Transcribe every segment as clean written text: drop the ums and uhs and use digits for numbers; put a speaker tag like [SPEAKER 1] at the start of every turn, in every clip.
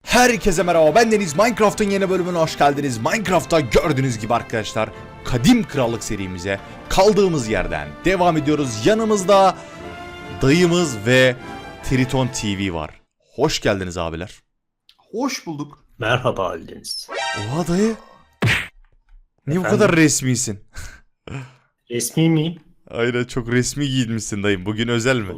[SPEAKER 1] Herkese merhaba, ben Deniz. Minecraft'ın yeni bölümüne hoş geldiniz. Minecraft'ta gördüğünüz gibi arkadaşlar, Kadim Krallık serimize kaldığımız yerden devam ediyoruz. Yanımızda dayımız ve Triton TV var. Hoş geldiniz abiler.
[SPEAKER 2] Hoş bulduk.
[SPEAKER 3] Merhaba Aldeniz.
[SPEAKER 1] Oha dayı. Niye bu
[SPEAKER 3] Efendim?
[SPEAKER 1] kadar resmisin?
[SPEAKER 3] Resmi miyim?
[SPEAKER 1] Aynen, çok resmi giyinmişsin dayım. Bugün özel mi?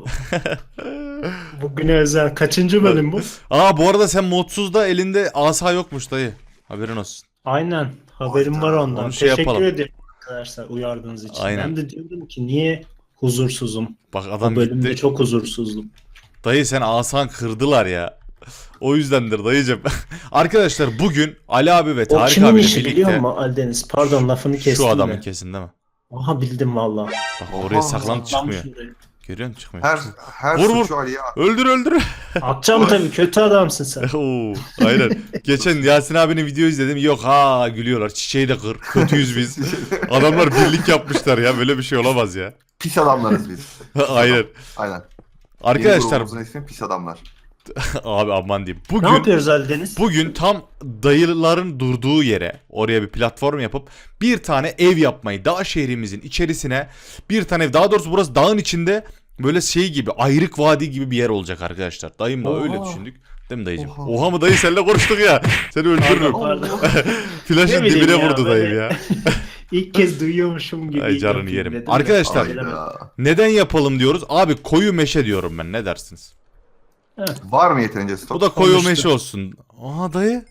[SPEAKER 3] Bugüne özel kaçıncı bölüm bu?
[SPEAKER 1] Aa, bu arada sen modsuzda elinde asa yokmuş dayı. Haberin olsun.
[SPEAKER 3] Aynen. Haberim var ondan.
[SPEAKER 1] Onu şey
[SPEAKER 3] Teşekkür
[SPEAKER 1] yapalım.
[SPEAKER 3] ederim arkadaşlar uyardığınız için.
[SPEAKER 1] Aynen.
[SPEAKER 3] Ben de diyorum ki niye huzursuzum?
[SPEAKER 1] Bak
[SPEAKER 3] Bu
[SPEAKER 1] adam
[SPEAKER 3] bölümde
[SPEAKER 1] gitti.
[SPEAKER 3] çok huzursuzdum.
[SPEAKER 1] Dayı sen asan kırdılar ya. O yüzdendir dayıcım. Arkadaşlar bugün Ali abi ve
[SPEAKER 3] O
[SPEAKER 1] Tarık
[SPEAKER 3] kimin
[SPEAKER 1] abiyle
[SPEAKER 3] işi biliyor
[SPEAKER 1] birlikte
[SPEAKER 3] musun Aldeniz? Pardon lafını kestim
[SPEAKER 1] şu adamın
[SPEAKER 3] de.
[SPEAKER 1] kesin değil mi?
[SPEAKER 3] Aha bildim valla.
[SPEAKER 1] Bak oraya saklanıp çıkmıyor.
[SPEAKER 3] Şuraya.
[SPEAKER 1] Görüyor musun, çıkmıyor.
[SPEAKER 2] Her
[SPEAKER 1] Vur, vur.
[SPEAKER 2] suçu Ali'ye
[SPEAKER 1] Öldür.
[SPEAKER 3] Atacağım tabii kötü adamsın sen.
[SPEAKER 1] Oo, aynen. Geçen Yasin abinin video izledim. Yok ha, gülüyorlar. Çiçeği de kır. Kötüyüz biz. Adamlar birlik yapmışlar ya. Böyle bir şey olamaz ya.
[SPEAKER 2] pis adamlarız biz.
[SPEAKER 1] Aynen.
[SPEAKER 2] Aynen. Yeni
[SPEAKER 1] Arkadaşlar
[SPEAKER 2] grubumuzun ismi pis adamlar.
[SPEAKER 1] abi aman diyeyim.
[SPEAKER 3] Ne
[SPEAKER 1] Bugün
[SPEAKER 3] yapıyoruz Aldeniz?
[SPEAKER 1] Bugün tam dayıların durduğu yere, oraya bir platform yapıp bir tane ev yapmayı, dağ şehrimizin içerisine bir tane ev, daha doğrusu burası dağın içinde böyle şey gibi, ayrık vadi gibi bir yer olacak arkadaşlar. Dayımla
[SPEAKER 3] Oha.
[SPEAKER 1] öyle düşündük. Değil mi dayıcım?
[SPEAKER 2] Oha.
[SPEAKER 1] Oha mı dayı, seninle konuştuk ya. Seni öldürürüm.
[SPEAKER 3] Pardon.
[SPEAKER 1] Flaşın
[SPEAKER 3] Ne bileyim
[SPEAKER 1] dibine
[SPEAKER 3] ya,
[SPEAKER 1] vurdu
[SPEAKER 3] böyle-
[SPEAKER 1] dayım ya.
[SPEAKER 3] İlk kez duyuyormuşum gibi.
[SPEAKER 1] Ay canını
[SPEAKER 3] yapayım
[SPEAKER 1] yerim.
[SPEAKER 3] dedim de.
[SPEAKER 1] Arkadaşlar-
[SPEAKER 2] Hayda.
[SPEAKER 3] Bilemedim.
[SPEAKER 1] Neden yapalım diyoruz? Abi koyu meşe diyorum ben, ne dersiniz?
[SPEAKER 2] Var mı yeterince stok?
[SPEAKER 1] Bu da koyu
[SPEAKER 3] Konuştuk.
[SPEAKER 1] meşe olsun. Aha dayı.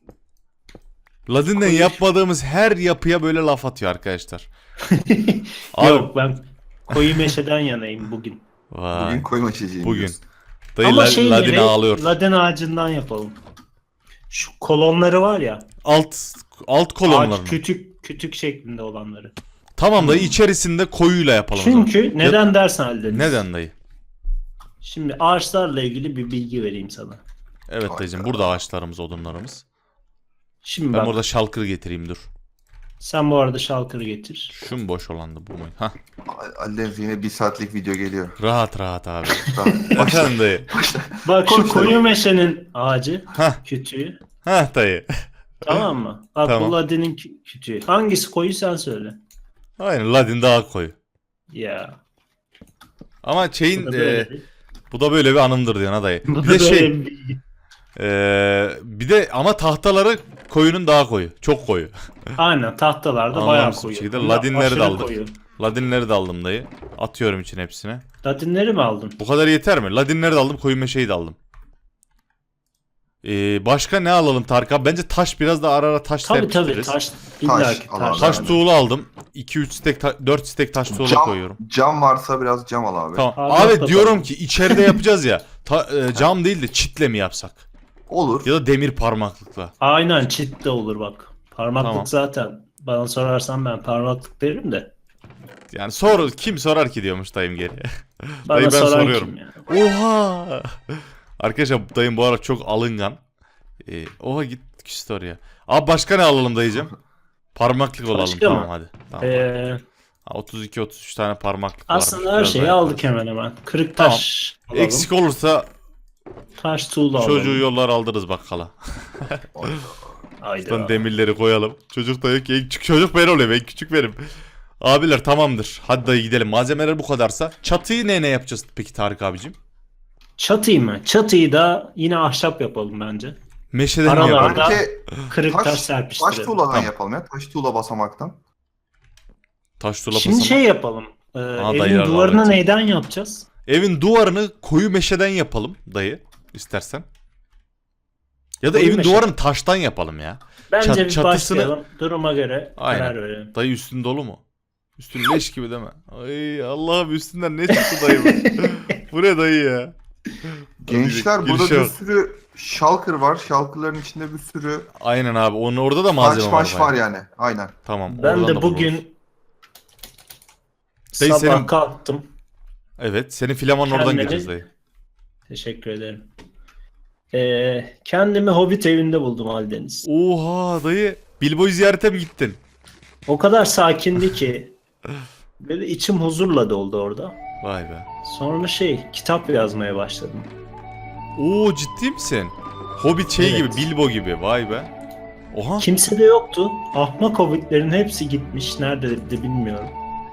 [SPEAKER 1] Ladin'den
[SPEAKER 3] Koyu-
[SPEAKER 1] yapmadığımız her yapıya böyle laf atıyor arkadaşlar. Abi,
[SPEAKER 3] Yok ben koyu meşeden yanayım bugün.
[SPEAKER 1] vay.
[SPEAKER 2] Bugün koyma içeceğim.
[SPEAKER 1] Bugün.
[SPEAKER 2] diyorsun.
[SPEAKER 1] Dayı
[SPEAKER 3] Ama şey
[SPEAKER 1] Ladin
[SPEAKER 3] gibi,
[SPEAKER 1] ağlıyor.
[SPEAKER 3] Ladin ağacından yapalım. Şu kolonları var ya.
[SPEAKER 1] Alt kolonlarını.
[SPEAKER 3] Ağaç kütük şeklinde olanları.
[SPEAKER 1] Tamam dayı, içerisinde koyuyla yapalım o zaman.
[SPEAKER 3] Çünkü neden dersen Aldeniz.
[SPEAKER 1] Neden dayı?
[SPEAKER 3] Şimdi ağaçlarla ilgili bir bilgi vereyim sana.
[SPEAKER 1] Evet dayıcım, burada ağaçlarımız, odunlarımız.
[SPEAKER 3] Şimdi
[SPEAKER 1] Ben
[SPEAKER 3] bak
[SPEAKER 1] burada şalkır getireyim, dur.
[SPEAKER 3] sen bu arada şalkırı getir.
[SPEAKER 1] Şu mu boş olandı, bu mu? Hah,
[SPEAKER 2] Ali'den yine 1 saatlik video geliyor.
[SPEAKER 1] rahat abi.
[SPEAKER 2] Tamam.
[SPEAKER 1] Efendim dayı.
[SPEAKER 3] Bak şu
[SPEAKER 2] Konuşalım.
[SPEAKER 3] koyu meşenin ağacı
[SPEAKER 1] Hah.
[SPEAKER 3] kütüğü.
[SPEAKER 1] Hah dayı.
[SPEAKER 3] Tamam mı? Bak
[SPEAKER 1] Tamam.
[SPEAKER 3] bu Ladin'in kütüğü. Hangisi koyu sen söyle.
[SPEAKER 1] Aynen, Ladin daha koyu.
[SPEAKER 3] Ya.
[SPEAKER 1] Ama
[SPEAKER 3] Bu
[SPEAKER 1] şeyin
[SPEAKER 3] da böyle bir-
[SPEAKER 1] bu da böyle bir anımdır diyor ha dayı.
[SPEAKER 3] bu
[SPEAKER 1] Bir
[SPEAKER 3] da
[SPEAKER 1] de
[SPEAKER 3] böyle
[SPEAKER 1] şey
[SPEAKER 3] bir bilgi.
[SPEAKER 1] bir de ama tahtaları koyunun daha koyu. Çok koyu.
[SPEAKER 3] Aynen tahtalarda bayağı
[SPEAKER 1] Anlamsız bir
[SPEAKER 3] koyu.
[SPEAKER 1] şekilde
[SPEAKER 3] Bunlar
[SPEAKER 1] Ladinleri de
[SPEAKER 3] aşırı
[SPEAKER 1] aldık.
[SPEAKER 3] koyu.
[SPEAKER 1] Ladinleri de aldım dayı. Atıyorum için hepsine.
[SPEAKER 3] Ladinleri mi aldın?
[SPEAKER 1] Bu kadar yeter mi? Ladinleri de aldım, koyu meşeyi de aldım. Başka ne alalım Tarık abi? Bence taş, biraz da ara ara taş
[SPEAKER 3] Tabii
[SPEAKER 1] serpiştiririz.
[SPEAKER 3] taş. İlla ki
[SPEAKER 2] alalım.
[SPEAKER 3] taş.
[SPEAKER 1] Taş
[SPEAKER 2] Yani.
[SPEAKER 1] tuğla aldım. 2-3 stek, 4 stek taş tuğla koyuyorum.
[SPEAKER 2] Cam varsa biraz cam al abi.
[SPEAKER 1] Tamam.
[SPEAKER 3] Abi,
[SPEAKER 1] Abi
[SPEAKER 3] yok
[SPEAKER 1] diyorum
[SPEAKER 3] bakalım.
[SPEAKER 1] ki içeride yapacağız ya. Cam değil de çitle mi yapsak?
[SPEAKER 2] Olur.
[SPEAKER 1] Ya da demir parmaklıkla.
[SPEAKER 3] Aynen çit de olur bak. Parmaklık
[SPEAKER 1] Tamam.
[SPEAKER 3] zaten. Bana sorarsan ben parmaklık derim de.
[SPEAKER 1] Yani kim sorar ki diyormuş dayım geri.
[SPEAKER 3] Bana
[SPEAKER 1] Dayı ben
[SPEAKER 3] soran
[SPEAKER 1] soruyorum.
[SPEAKER 3] kim ya?
[SPEAKER 1] Oha! Arkadaşlar dayım bu ara çok alıngan. Oha, git küstü oraya. Abi başka ne alalım dayıcım? Parmaklık olalım,
[SPEAKER 3] Başka
[SPEAKER 1] tamam
[SPEAKER 3] mı?
[SPEAKER 1] hadi. Tamam. 32-33 tane parmaklık var.
[SPEAKER 3] Aslında her şeyi aldık hemen hemen. Kırık taş alalım.
[SPEAKER 1] Eksik olursa
[SPEAKER 3] Taş tuğla alalım.
[SPEAKER 1] çocuğu yollar aldırız bakkala.
[SPEAKER 3] Haydi.
[SPEAKER 1] Buradan demirleri koyalım. Çocuk da yok ki, en küçük çocuk ben olayım, en küçük benim. Abiler tamamdır. Hadi dayı gidelim. Malzemeler bu kadarsa. Çatıyı ne yapacağız peki Tarık abicim?
[SPEAKER 3] Çatıyı mı? Çatıyı da yine ahşap yapalım bence.
[SPEAKER 1] Meşeden mi
[SPEAKER 3] Aralarda-
[SPEAKER 1] yapalım?
[SPEAKER 2] Bence
[SPEAKER 3] Kırık taş
[SPEAKER 2] taş
[SPEAKER 3] serpiştirelim.
[SPEAKER 2] tuğladan
[SPEAKER 1] Tamam.
[SPEAKER 2] yapalım ya. Taş tuğla basamaktan.
[SPEAKER 1] Taş tuğla
[SPEAKER 3] Şimdi
[SPEAKER 1] basamak.
[SPEAKER 3] şey yapalım.
[SPEAKER 1] dayılar
[SPEAKER 3] Evin duvarını
[SPEAKER 1] davet.
[SPEAKER 3] neyden yapacağız?
[SPEAKER 1] Evin duvarını koyu meşeden yapalım dayı, istersen. Ya da
[SPEAKER 3] Koyu
[SPEAKER 1] evin
[SPEAKER 3] meşe.
[SPEAKER 1] duvarını taştan yapalım ya.
[SPEAKER 3] Bence bir
[SPEAKER 1] çatısını-
[SPEAKER 3] başlayalım. Duruma göre
[SPEAKER 1] Aynen.
[SPEAKER 3] karar verelim.
[SPEAKER 1] Dayı üstün dolu mu? Üstün leş gibi değil mi? Ay Allah'ım, üstünden ne çıktı dayı bu? Bu ne dayı ya?
[SPEAKER 2] Gençler
[SPEAKER 1] Hadi
[SPEAKER 2] burada
[SPEAKER 1] girişe
[SPEAKER 2] bir
[SPEAKER 1] bak.
[SPEAKER 2] sürü şalkır var. Şalkırların içinde bir sürü
[SPEAKER 1] Aynen abi, onun orada da malzeme
[SPEAKER 2] taş
[SPEAKER 1] var.
[SPEAKER 2] maş
[SPEAKER 1] bayağı.
[SPEAKER 2] var yani. Aynen.
[SPEAKER 1] Tamam.
[SPEAKER 3] Ben
[SPEAKER 1] oradan
[SPEAKER 3] de
[SPEAKER 1] da buluruz.
[SPEAKER 3] bugün
[SPEAKER 1] Dayı
[SPEAKER 3] sabah
[SPEAKER 1] senin-
[SPEAKER 3] kalktım.
[SPEAKER 1] Evet, senin filamanın oradan
[SPEAKER 3] Kendimi-
[SPEAKER 1] gireceğiz dayı.
[SPEAKER 3] Teşekkür ederim. Kendimi Hobbit evinde buldum Aldeniz.
[SPEAKER 1] Oha dayı, Bilbo'yu ziyarete mi gittin?
[SPEAKER 3] O kadar sakindi ki böyle içim huzurla doldu orada.
[SPEAKER 1] Vay be.
[SPEAKER 3] Sonra kitap yazmaya başladım.
[SPEAKER 1] Oo, ciddi misin? Hobbit şey
[SPEAKER 3] Evet.
[SPEAKER 1] gibi, Bilbo gibi. Vay be. Oha.
[SPEAKER 3] Kimse de yoktu. Ahmak hobbitlerin hepsi gitmiş. Nerede de bilmiyorum.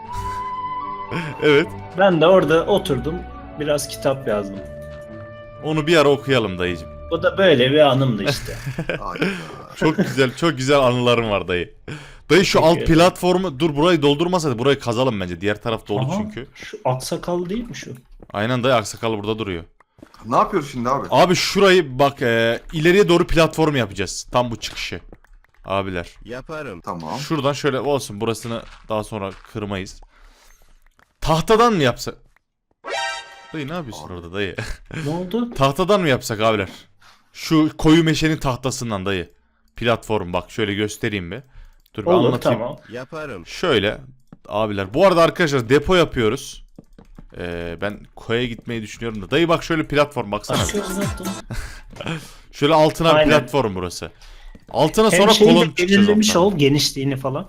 [SPEAKER 1] Evet.
[SPEAKER 3] Ben de orada oturdum. Biraz kitap yazdım.
[SPEAKER 1] Onu bir ara okuyalım dayıcım.
[SPEAKER 3] Bu da böyle bir anımdı işte.
[SPEAKER 2] Hayda.
[SPEAKER 1] Çok güzel, çok güzel anılarım var dayı. Dayı şu alt
[SPEAKER 3] Teşekkür ederim.
[SPEAKER 1] platformu dur burayı doldurmasaydı burayı kazalım bence. Diğer taraf dolu
[SPEAKER 3] Aha,
[SPEAKER 1] çünkü.
[SPEAKER 3] Şu aksakallı değil mi şu?
[SPEAKER 1] Aynen dayı aksakal burada duruyor.
[SPEAKER 2] Ne yapıyoruz şimdi abi?
[SPEAKER 1] Abi şurayı bak ileriye doğru platform yapacağız. Tam bu çıkışı. Abiler.
[SPEAKER 4] Yaparım.
[SPEAKER 2] Tamam.
[SPEAKER 1] Şuradan şöyle olsun burasını daha sonra kırmayız. Tahtadan mı yapsak? Dayı ne yapıyorsun
[SPEAKER 2] Abi.
[SPEAKER 1] orada dayı?
[SPEAKER 3] Ne oldu?
[SPEAKER 1] Tahtadan mı yapsak abiler? Şu koyu meşenin tahtasından dayı. Platform bak şöyle göstereyim bir. Dur bir
[SPEAKER 3] Olur
[SPEAKER 1] anlatayım.
[SPEAKER 3] tamam.
[SPEAKER 4] Yaparım.
[SPEAKER 1] Şöyle abiler. Bu arada arkadaşlar depo yapıyoruz. Ben koya gitmeyi düşünüyorum da. Dayı bak şöyle platform baksana.
[SPEAKER 3] Aşağı uzattım.
[SPEAKER 1] Şöyle altına bir
[SPEAKER 3] Aynen.
[SPEAKER 1] platform burası. Altına
[SPEAKER 3] Hem
[SPEAKER 1] sonra
[SPEAKER 3] şeyi
[SPEAKER 1] kolon
[SPEAKER 3] de
[SPEAKER 1] çıkacağız
[SPEAKER 3] belirlemiş
[SPEAKER 1] alttan.
[SPEAKER 3] ol genişliğini falan.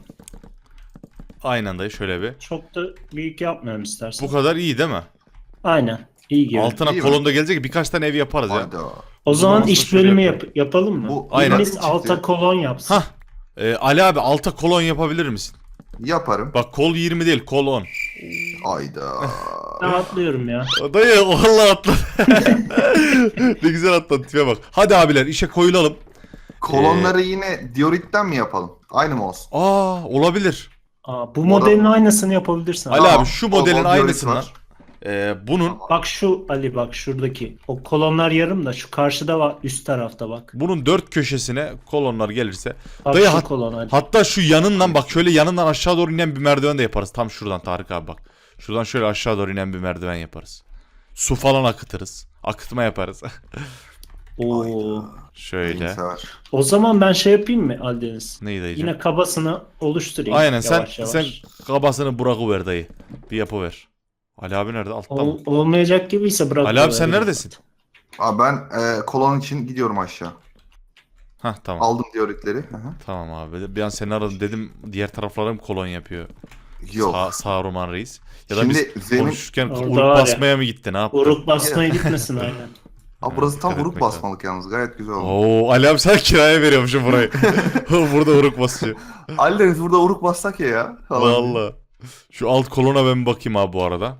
[SPEAKER 1] Aynen dayı şöyle bir.
[SPEAKER 3] Çok da büyük yapmayalım istersen.
[SPEAKER 1] Bu kadar iyi değil mi?
[SPEAKER 3] Aynen. İyi gibi.
[SPEAKER 1] Altına
[SPEAKER 2] İyi mi?
[SPEAKER 1] kolon da gelecek birkaç tane ev yaparız ya.
[SPEAKER 2] Hayda.
[SPEAKER 3] O zaman
[SPEAKER 1] Olmazsa
[SPEAKER 3] iş
[SPEAKER 1] şöyle
[SPEAKER 3] bölümü
[SPEAKER 1] yapalım.
[SPEAKER 3] yapalım mı?
[SPEAKER 2] Bu
[SPEAKER 1] Aynen.
[SPEAKER 3] Biriniz
[SPEAKER 2] çıktı.
[SPEAKER 3] alta kolon yapsın.
[SPEAKER 1] Hah. Ali abi alta kolon yapabilir misin?
[SPEAKER 2] Yaparım.
[SPEAKER 1] Bak kol 20 değil kol 10.
[SPEAKER 2] Hayda.
[SPEAKER 3] Ben atlıyorum ya.
[SPEAKER 1] Dayı vallahi atla. Ne güzel atladın tipe bak. Hadi abiler işe koyulalım.
[SPEAKER 2] Kolonları yine dioritten mi yapalım? Aynı mı olsun?
[SPEAKER 1] Aa olabilir.
[SPEAKER 3] Aa, bu modelin aynısını yapabilirsin.
[SPEAKER 1] Ali
[SPEAKER 2] Tamam.
[SPEAKER 1] abi şu
[SPEAKER 2] Bol bol
[SPEAKER 1] modelin
[SPEAKER 2] diorit
[SPEAKER 1] aynısından.
[SPEAKER 2] var.
[SPEAKER 1] Bunun
[SPEAKER 3] Bak şu Ali bak şuradaki. O kolonlar yarım da şu karşıda var üst tarafta bak.
[SPEAKER 1] bunun dört köşesine kolonlar gelirse.
[SPEAKER 3] Bak
[SPEAKER 1] Dayı
[SPEAKER 3] şu kolon Ali.
[SPEAKER 1] hatta şu yanından bak şöyle yanından aşağı doğru inen bir merdiven de yaparız. Tam şuradan Tarık abi bak. Şuradan şöyle aşağı doğru inen bir merdiven yaparız. Su falan akıtırız. Akıtma yaparız.
[SPEAKER 3] Oo.
[SPEAKER 1] Şöyle.
[SPEAKER 2] Neyse var.
[SPEAKER 3] O zaman ben şey yapayım mı Aldeniz?
[SPEAKER 1] Neydi dayıcım?
[SPEAKER 3] Yine kabasını oluşturayım.
[SPEAKER 1] Aynen
[SPEAKER 3] yavaş yavaş.
[SPEAKER 1] sen kabasını bırakıver dayı. Bir yapıver. Ali abi nerede? Altta mı?
[SPEAKER 3] Olmayacak gibiyse bırak.
[SPEAKER 1] Ali abi sen neredesin?
[SPEAKER 2] Abi ben kolon için gidiyorum aşağı.
[SPEAKER 1] Hah tamam.
[SPEAKER 2] Aldım dioritleri. Hı hı.
[SPEAKER 1] Tamam abi. Bir an seni aradım dedim diğer taraflarım kolon yapıyor.
[SPEAKER 2] Yok.
[SPEAKER 1] Saruman Reis. Ya da
[SPEAKER 2] Şimdi
[SPEAKER 1] biz
[SPEAKER 2] zemin...
[SPEAKER 1] konuşurken
[SPEAKER 3] Orada
[SPEAKER 1] uruk
[SPEAKER 3] var ya.
[SPEAKER 1] basmaya mı gitti ne yaptı?
[SPEAKER 3] Uruk basmaya gitmesin aynen.
[SPEAKER 2] Abi burası tam
[SPEAKER 1] dikkat
[SPEAKER 2] uruk
[SPEAKER 1] etmek
[SPEAKER 2] basmalık yalnız. Gayet güzel oldu.
[SPEAKER 1] Oo Ali abi sen kiraya veriyormuşsun burayı. Burada uruk basıyor.
[SPEAKER 2] Aldeniz burada uruk bassak ya. Falan.
[SPEAKER 1] Valla. Şu alt kolona ben bir bakayım abi bu arada.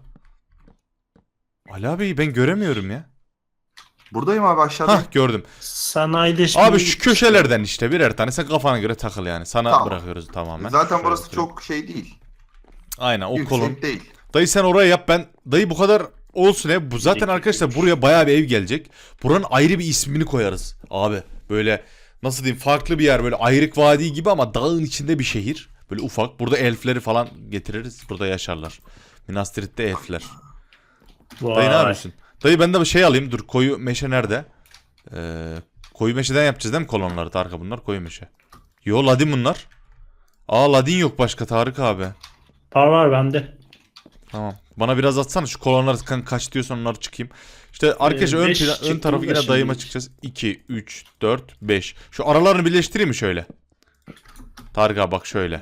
[SPEAKER 1] Ali abi ben göremiyorum ya.
[SPEAKER 2] Buradayım abi aşağıda.
[SPEAKER 1] Hah gördüm.
[SPEAKER 3] Sanayileşme.
[SPEAKER 1] Abi şu köşelerden işte birer tane sen kafana göre takıl yani. Sana
[SPEAKER 2] Tamam.
[SPEAKER 1] bırakıyoruz tamamen.
[SPEAKER 2] Zaten
[SPEAKER 1] Şöyle
[SPEAKER 2] burası
[SPEAKER 1] oturayım.
[SPEAKER 2] çok şey değil.
[SPEAKER 1] Aynen o
[SPEAKER 2] Yüksek
[SPEAKER 1] kolon.
[SPEAKER 2] değil.
[SPEAKER 1] Dayı sen oraya yap ben. Dayı bu kadar olsun ya. Bu zaten arkadaşlar buraya bayağı bir ev gelecek. Buranın ayrı bir ismini koyarız abi. Böyle nasıl diyeyim farklı bir yer böyle ayrık vadi gibi ama dağın içinde bir şehir. Böyle ufak. Burada elfleri falan getiririz. Burada yaşarlar. Minas Tirith'te elfler.
[SPEAKER 3] Vay.
[SPEAKER 1] Dayı ne yapıyorsun? Dayı ben de bir şey alayım. Dur koyu meşe nerede? Koyu meşeden yapacağız değil mi kolonları Tarık bunlar koyu meşe. Yo ladin bunlar. Aa ladin yok başka Tarık abi.
[SPEAKER 3] Var bende.
[SPEAKER 1] Tamam. Bana biraz atsana şu kolonları kaç diyorsan onları çıkayım. İşte arkadaşlar ön,
[SPEAKER 3] 5
[SPEAKER 1] ön
[SPEAKER 3] çıktı
[SPEAKER 1] tarafı
[SPEAKER 3] da
[SPEAKER 1] yine
[SPEAKER 3] şimdi.
[SPEAKER 1] dayıma çıkacağız. 2, 3, 4, 5. Şu aralarını birleştireyim mi şöyle? Tarık abi bak şöyle.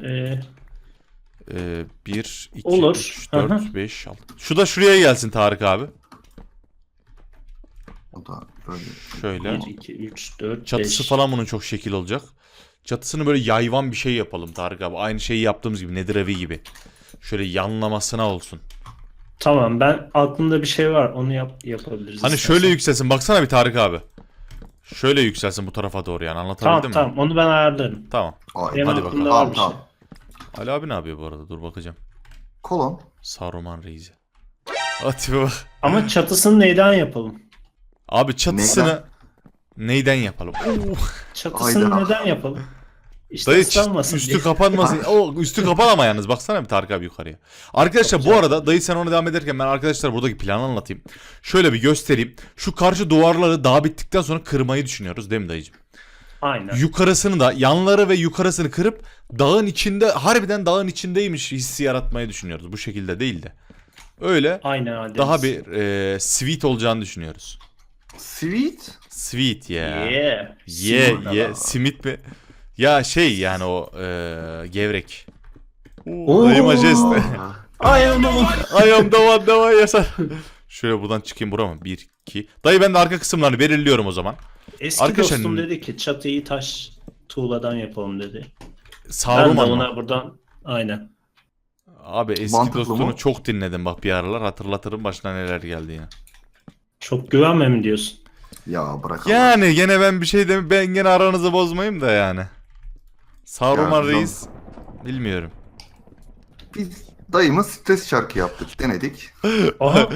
[SPEAKER 1] 1, 2,
[SPEAKER 3] Olur.
[SPEAKER 1] 3,
[SPEAKER 3] Hı hı.
[SPEAKER 1] 4, 5, 6. Şu da şuraya gelsin Tarık abi.
[SPEAKER 2] O da böyle.
[SPEAKER 1] Şöyle.
[SPEAKER 3] 1, 2, 3, 4, 5.
[SPEAKER 1] Çatısı falan bunun çok şekil olacak. Çatısını böyle yayvan bir şey yapalım Tarık abi. Aynı şeyi yaptığımız gibi Nedir evi gibi. Şöyle yanlamasına olsun.
[SPEAKER 3] Tamam ben aklımda bir şey var onu yapabiliriz.
[SPEAKER 1] Hani
[SPEAKER 3] istersen.
[SPEAKER 1] şöyle yükselsin. Baksana bir Tarık abi. Şöyle yükselsin bu tarafa doğru yani. Anlatabildim
[SPEAKER 3] Tamam
[SPEAKER 1] mi?
[SPEAKER 3] tamam onu ben ayarlarım.
[SPEAKER 1] Tamam.
[SPEAKER 2] Ay,
[SPEAKER 3] Benim
[SPEAKER 1] hadi
[SPEAKER 3] aklımda
[SPEAKER 1] bakalım.
[SPEAKER 3] var bir
[SPEAKER 2] Tamam,
[SPEAKER 3] şey.
[SPEAKER 1] Ali abi ne yapıyor bu arada? Dur bakacağım.
[SPEAKER 2] Kolon.
[SPEAKER 1] Saruman Reis'i. Atibe bak.
[SPEAKER 3] Ama çatısını neyden yapalım?
[SPEAKER 1] Abi çatısını neyden yapalım?
[SPEAKER 3] Çatısını
[SPEAKER 2] Hayda.
[SPEAKER 3] neden yapalım? İşte
[SPEAKER 1] Dayı
[SPEAKER 3] ıslanmasın
[SPEAKER 1] üstü
[SPEAKER 3] diye.
[SPEAKER 1] kapanmasın. O üstü kapan yalnız. Baksana bir Tarık abi yukarıya. Arkadaşlar bu arada dayı sen ona devam ederken ben arkadaşlar buradaki planı anlatayım. Şöyle bir göstereyim. Şu karşı duvarları daha bittikten sonra kırmayı düşünüyoruz değil mi dayıcım?
[SPEAKER 3] Aynen.
[SPEAKER 1] Yukarısını da yanları ve yukarısını kırıp dağın içinde harbiden dağın içindeymiş hissi yaratmayı düşünüyoruz. Bu şekilde değil de. Öyle
[SPEAKER 3] Aynen Aldeniz.
[SPEAKER 1] daha bir sweet olacağını düşünüyoruz.
[SPEAKER 2] Sweet.
[SPEAKER 1] Sweet ya.
[SPEAKER 3] Yeah.
[SPEAKER 1] Yeah. Simit mi? Ya şey yani o gevrek.
[SPEAKER 3] Oo.
[SPEAKER 1] Dayı majest.
[SPEAKER 3] Ay aman.
[SPEAKER 1] I am the one that yasar. Şöyle buradan çıkayım bura mı? 1, 2. Dayı ben de arka kısımlarını belirliyorum o zaman.
[SPEAKER 3] Eski
[SPEAKER 1] Arkadaşlar,
[SPEAKER 3] dostum dedi ki çatıyı taş tuğladan yapalım dedi. Ben de
[SPEAKER 1] Saruman mı?
[SPEAKER 3] ona buradan aynen.
[SPEAKER 1] Abi eski
[SPEAKER 2] Mantıklı
[SPEAKER 1] dostunu
[SPEAKER 2] mı?
[SPEAKER 1] çok dinledim bak bir aralar, hatırlatırım başına neler geldi ya.
[SPEAKER 3] Çok güvenme mi diyorsun?
[SPEAKER 2] Ya bırak Allah.
[SPEAKER 1] Yani gene ben bir şey demem, ben gene aranızı bozmayayım da yani. Saruman
[SPEAKER 2] Ya,
[SPEAKER 1] Reis bilmiyorum.
[SPEAKER 2] Biz dayımız stres şarkı yaptık, denedik.
[SPEAKER 3] Aha.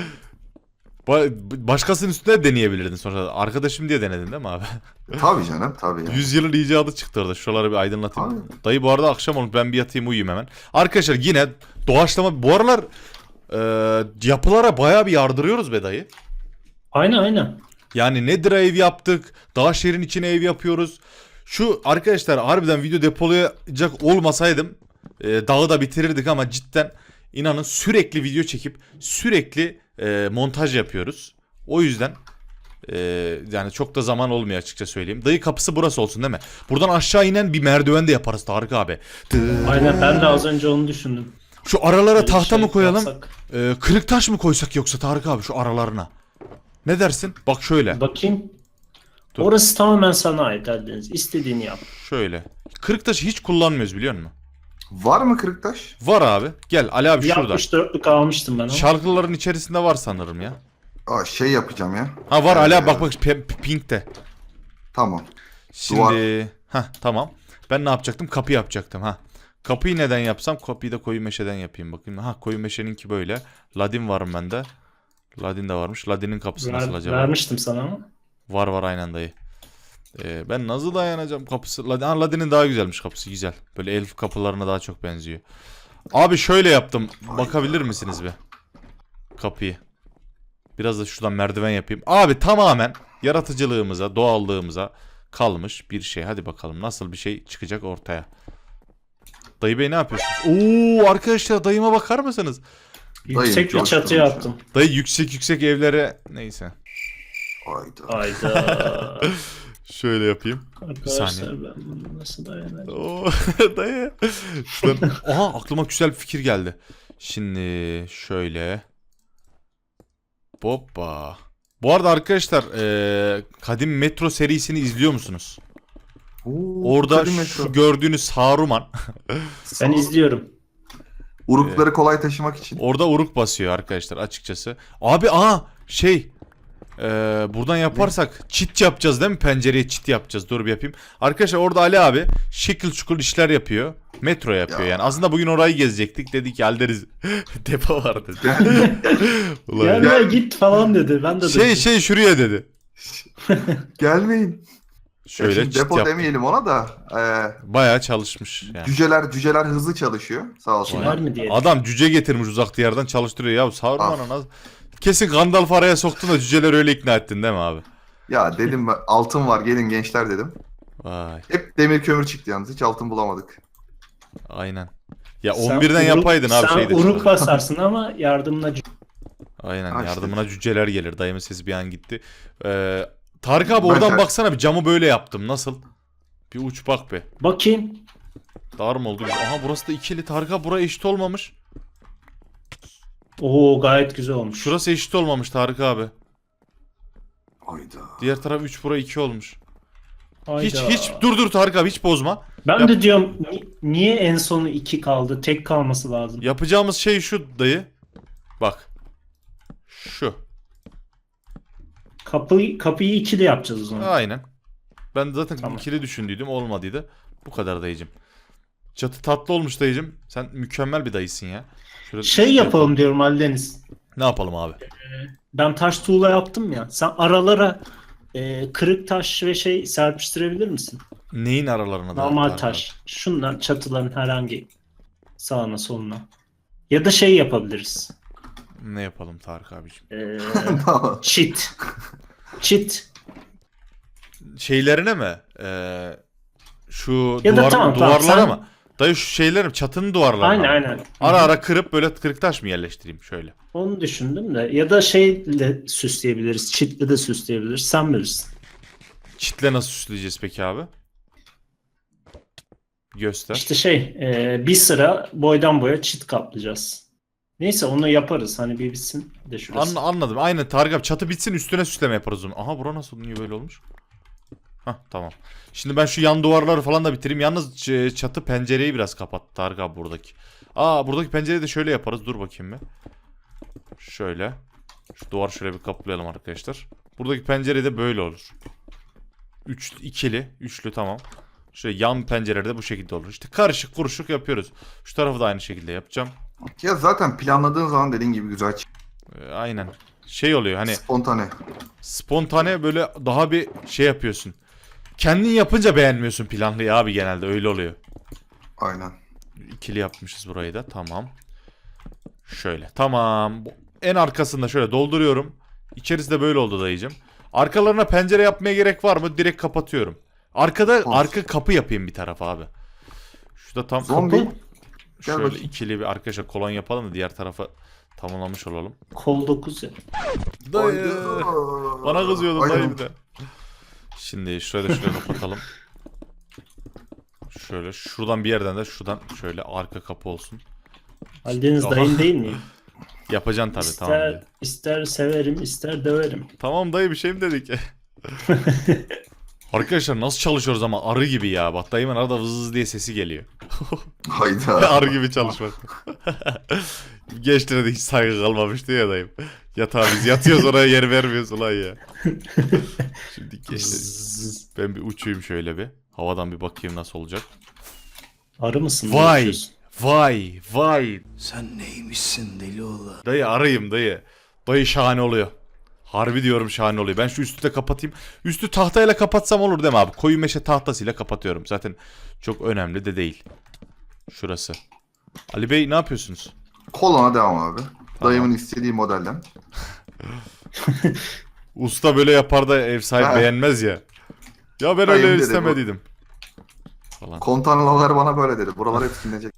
[SPEAKER 1] Başkasının üstüne deneyebilirdin sonra. Arkadaşım diye denedin değil mi abi?
[SPEAKER 2] Tabii canım, tabii ya.
[SPEAKER 1] 100 yılın icadı çıktı orada. Şuraları bir aydınlatayım.
[SPEAKER 2] Abi.
[SPEAKER 1] Dayı bu arada akşam olmuş. Ben bir yatayım uyuyayım hemen. Arkadaşlar yine doğaçlama. Bu aralar yapılara bayağı bir yardırıyoruz be dayı.
[SPEAKER 3] Aynen.
[SPEAKER 1] Yani Nether'a ev yaptık. Dağ şehrin içine ev yapıyoruz. Şu arkadaşlar harbiden video depolayacak olmasaydım dağı da bitirirdik ama cidden inanın sürekli video çekip sürekli montaj yapıyoruz. O yüzden yani çok da zaman olmuyor açıkça söyleyeyim. Dayı kapısı burası olsun değil mi? Buradan aşağı inen bir merdiven de yaparız Tarık abi.
[SPEAKER 3] Aynen ben de az önce onu düşündüm.
[SPEAKER 1] Şu aralara
[SPEAKER 3] Böyle
[SPEAKER 1] tahta
[SPEAKER 3] şey
[SPEAKER 1] mı koyalım?
[SPEAKER 3] yapsak.
[SPEAKER 1] Kırık taş mı koysak yoksa Tarık abi şu aralarına? Ne dersin? Bak şöyle.
[SPEAKER 3] Bakayım.
[SPEAKER 1] Dur.
[SPEAKER 3] Orası tamamen sana ait Eldeniz. İstediğini yap.
[SPEAKER 1] Şöyle. Kırık taşı hiç kullanmıyoruz biliyor musun?
[SPEAKER 2] Var mı kırıktaş?
[SPEAKER 1] Var abi. Gel Ali abi
[SPEAKER 3] Bir
[SPEAKER 1] şurada.
[SPEAKER 3] 64'lük almıştım ben ama.
[SPEAKER 1] Şarkıların içerisinde var sanırım ya.
[SPEAKER 2] Aa, şey yapacağım ya.
[SPEAKER 1] Ha var Ali abi
[SPEAKER 2] Ee,
[SPEAKER 1] bak pinkte.
[SPEAKER 2] Tamam.
[SPEAKER 1] Şimdi tamam. Ben ne yapacaktım? Kapı yapacaktım ha. Kapıyı neden yapsam? Kapıyı da koyu meşeden yapayım bakayım. Ha koyu meşeninki böyle. Ladin varım bende. Ladin de varmış. Ladin'in kapısı nasıl acaba?
[SPEAKER 3] Vermiştim sana ama.
[SPEAKER 1] Var aynen dayı. Ben nasıl dayanacağım kapısı? Ladin'in daha güzelmiş kapısı güzel. Böyle elf kapılarına daha çok benziyor. Abi şöyle yaptım. Bakabilir misiniz bir? Kapıyı. Biraz da şuradan merdiven yapayım. Abi tamamen yaratıcılığımıza, doğallığımıza kalmış bir şey. Hadi bakalım nasıl bir şey çıkacak ortaya. Dayı bey ne yapıyorsunuz? Oo arkadaşlar dayıma bakar mısınız?
[SPEAKER 3] Yüksek bir
[SPEAKER 2] coştum
[SPEAKER 3] çatı
[SPEAKER 2] ya.
[SPEAKER 3] yaptım.
[SPEAKER 1] Dayı yüksek evlere neyse.
[SPEAKER 2] Hayda.
[SPEAKER 3] Hayda.
[SPEAKER 1] Şöyle yapayım.
[SPEAKER 3] Arkadaşlar ben bunu nasıl dayanacağım?
[SPEAKER 1] Oo dayı. Şuradan... Aha aklıma güzel bir fikir geldi. Şimdi şöyle. Hoppa. Bu arada arkadaşlar Kadim Metro serisini izliyor musunuz?
[SPEAKER 2] Oo,
[SPEAKER 1] Orada
[SPEAKER 2] Kadim Metro.
[SPEAKER 1] şu gördüğünüz Saruman
[SPEAKER 3] Ben izliyorum.
[SPEAKER 2] Urukları kolay taşımak için.
[SPEAKER 1] orada uruk basıyor arkadaşlar açıkçası. Abi buradan yaparsak çit yapacağız değil mi? Pencereye çit yapacağız. Dur bir yapayım. Arkadaşlar orada Ali abi şekil şukul işler yapıyor. Metro yapıyor
[SPEAKER 2] Ya.
[SPEAKER 1] yani. Aslında bugün orayı gezecektik. Dedik ki hallederiz. Depo vardı. Ulan
[SPEAKER 3] Gel
[SPEAKER 1] ya.
[SPEAKER 3] ya git falan dedi. Ben de dedim.
[SPEAKER 1] Şuraya dedi.
[SPEAKER 2] Gelmeyin.
[SPEAKER 1] Şöyle
[SPEAKER 2] Şimdi
[SPEAKER 1] çit
[SPEAKER 2] depo
[SPEAKER 1] yaptı.
[SPEAKER 2] demeyelim ona da.
[SPEAKER 1] Bayağı çalışmış yani.
[SPEAKER 2] Cüceler hızlı çalışıyor. Sağ olsunlar.
[SPEAKER 3] Kiler mi diyelim?
[SPEAKER 1] Adam cüce getirmiş uzak diyardan çalıştırıyor. Ya Saruman'a nasıl... Kesin Gandalf araya soktun da cüceler öyle ikna ettin değil mi abi?
[SPEAKER 2] Ya dedim ben, altın var gelin gençler dedim.
[SPEAKER 1] Vay
[SPEAKER 2] Hep demir kömür çıktı yalnız, hiç altın bulamadık.
[SPEAKER 1] aynen. Ya
[SPEAKER 3] Sen
[SPEAKER 1] 11'den yapaydın abi
[SPEAKER 3] sen
[SPEAKER 1] şeyde.
[SPEAKER 3] uruk basarsın ama yardımına
[SPEAKER 1] Aynen
[SPEAKER 2] Ha, işte.
[SPEAKER 1] yardımına cüceler gelir. Dayımın sesi bir an gitti. Tarık abi
[SPEAKER 2] Ben
[SPEAKER 1] oradan
[SPEAKER 2] ter-
[SPEAKER 1] baksana bir camı böyle yaptım. Nasıl? Bir uç bak be.
[SPEAKER 3] bakayım.
[SPEAKER 1] Dar mı oldu? Aha burası da ikili. Tarık abi buraya eşit olmamış.
[SPEAKER 3] Oo gayet güzel olmuş.
[SPEAKER 1] Şurası eşit olmamış Tarık abi.
[SPEAKER 2] Hayda.
[SPEAKER 1] Diğer taraf 3 bura 2 olmuş.
[SPEAKER 3] Hayda.
[SPEAKER 1] Hiç dur Tarık abi hiç bozma.
[SPEAKER 3] Ben
[SPEAKER 1] Yap-
[SPEAKER 3] de diyorum niye en sonu 2 kaldı? Tek kalması lazım.
[SPEAKER 1] Yapacağımız şey şu dayı. Bak. Şu.
[SPEAKER 3] Kapıyı ikili yapacağız o zaman.
[SPEAKER 1] Aynen. Ben zaten
[SPEAKER 3] Tamam.
[SPEAKER 1] ikili düşündüydüm olmadıydı. Bu kadar dayıcım. Çatı tatlı olmuş dayıcım. Sen mükemmel bir dayısın ya. Şöyle
[SPEAKER 3] Şey yapalım diyorum Ali Deniz.
[SPEAKER 1] Ne yapalım abi?
[SPEAKER 3] Ben taş tuğla yaptım ya. Sen aralara kırık taş ve şey serpiştirebilir misin?
[SPEAKER 1] Neyin aralarına da?
[SPEAKER 3] Normal
[SPEAKER 1] Tarık
[SPEAKER 3] taş. Şunlar çatıların herhangi sağına soluna. Ya da şey yapabiliriz.
[SPEAKER 1] abi? Ne yapalım Tarık abiciğim?
[SPEAKER 3] Çit. Çit.
[SPEAKER 1] Şeylerine mi? Şu
[SPEAKER 3] Ya da tamam,
[SPEAKER 1] duvarlara
[SPEAKER 3] sen-
[SPEAKER 1] mı? Dayı şu şeylerim çatının duvarlarına.
[SPEAKER 3] Aynen.
[SPEAKER 1] Ara ara kırıp böyle kırık taş mı yerleştireyim şöyle?
[SPEAKER 3] Onu düşündüm de. Ya da şeyle süsleyebiliriz. Çitle de süsleyebiliriz. Sen bilirsin.
[SPEAKER 1] Çitle nasıl süsleyeceğiz peki abi? Göster.
[SPEAKER 3] İşte bir sıra boydan boya çit kaplayacağız. Neyse onu yaparız. Hani bir bitsin de şurası.
[SPEAKER 1] Anladım. Aynen Tarık abi çatı bitsin üstüne süsleme yaparız onu. Aha bura nasıl niye böyle olmuş? Hah tamam. Şimdi ben şu yan duvarları falan da bitireyim. Yalnız çatı pencereyi biraz kapattı Tarık abi buradaki. Buradaki pencereyi de şöyle yaparız. Dur bakayım bir. Şöyle. Şu duvar şöyle bir kaplayalım arkadaşlar. Buradaki pencere de böyle olur. İkili, üçlü tamam. Şöyle yan pencereleri de bu şekilde olur. İşte karışık kuruşuk yapıyoruz. Şu tarafı da aynı şekilde yapacağım.
[SPEAKER 2] Ya zaten planladığın zaman dediğin gibi güzel
[SPEAKER 1] Aynen. Şey oluyor hani
[SPEAKER 2] spontane.
[SPEAKER 1] spontane böyle daha bir şey yapıyorsun. Kendin yapınca beğenmiyorsun planlıyı abi genelde öyle oluyor.
[SPEAKER 2] Aynen.
[SPEAKER 1] İkili yapmışız burayı da tamam. Şöyle tamam. En arkasında şöyle dolduruyorum. İçerisi de böyle oldu dayıcım. Arkalarına pencere yapmaya gerek var mı? Direkt kapatıyorum. Arkada
[SPEAKER 2] Olsun.
[SPEAKER 1] arka kapı yapayım bir tarafa abi. Şurada tam
[SPEAKER 2] Zombi.
[SPEAKER 1] kapı.
[SPEAKER 2] Gel
[SPEAKER 1] Şöyle
[SPEAKER 2] bakayım.
[SPEAKER 1] ikili bir arkadaşlar kolon yapalım da diğer tarafa tamamlamış olalım.
[SPEAKER 3] Kol 9 ya.
[SPEAKER 1] Dayı.
[SPEAKER 2] Hayda.
[SPEAKER 1] Bana kızıyordun
[SPEAKER 2] Aynen.
[SPEAKER 1] dayı bir de. Şimdi şurayı da şuraya kapatalım. Şöyle şuradan bir yerden de şuradan şöyle arka kapı olsun.
[SPEAKER 3] Aldeniz
[SPEAKER 1] Aha.
[SPEAKER 3] dayın değil miyim?
[SPEAKER 1] Yapacaksın tabii tamam.
[SPEAKER 3] İster,
[SPEAKER 1] Dayı.
[SPEAKER 3] ister severim, ister döverim.
[SPEAKER 1] Tamam dayı bir şey mi dedik? Arkadaşlar nasıl çalışıyoruz ama arı gibi ya. Bak dayımın arada vız diye sesi geliyor.
[SPEAKER 2] Hayda.
[SPEAKER 1] Arı gibi çalışmak. Gençlere de hiç saygı kalmamıştı ya dayım. Yatağa biz yatıyoruz oraya yer vermiyoruz ulan ya. Şimdi gençler
[SPEAKER 3] Zzz.
[SPEAKER 1] ben bir uçayım şöyle bir. Havadan bir bakayım nasıl olacak.
[SPEAKER 3] Arı mısın?
[SPEAKER 1] Vay.
[SPEAKER 3] Ne yapıyorsun?
[SPEAKER 1] Vay.
[SPEAKER 4] Sen neymişsin deli oğlan?
[SPEAKER 1] Dayı arayayım dayı. Dayı şahane oluyor. Harbi diyorum şahane oluyor. Ben şu üstü de kapatayım. Üstü tahtayla kapatsam olur değil mi abi? Koyu meşe tahtasıyla kapatıyorum. Zaten çok önemli de değil. Şurası. Ali Bey ne yapıyorsunuz?
[SPEAKER 2] Kolona devam abi. Dayımın istediği modelden.
[SPEAKER 1] Usta böyle yapar da ev sahibi
[SPEAKER 2] Ha.
[SPEAKER 1] beğenmez ya. Ya ben
[SPEAKER 2] Dayım
[SPEAKER 1] öyle
[SPEAKER 2] dedi
[SPEAKER 1] istemediydim. Falan.
[SPEAKER 2] Kontanalar bana böyle dedi. Buralar hep silinecek.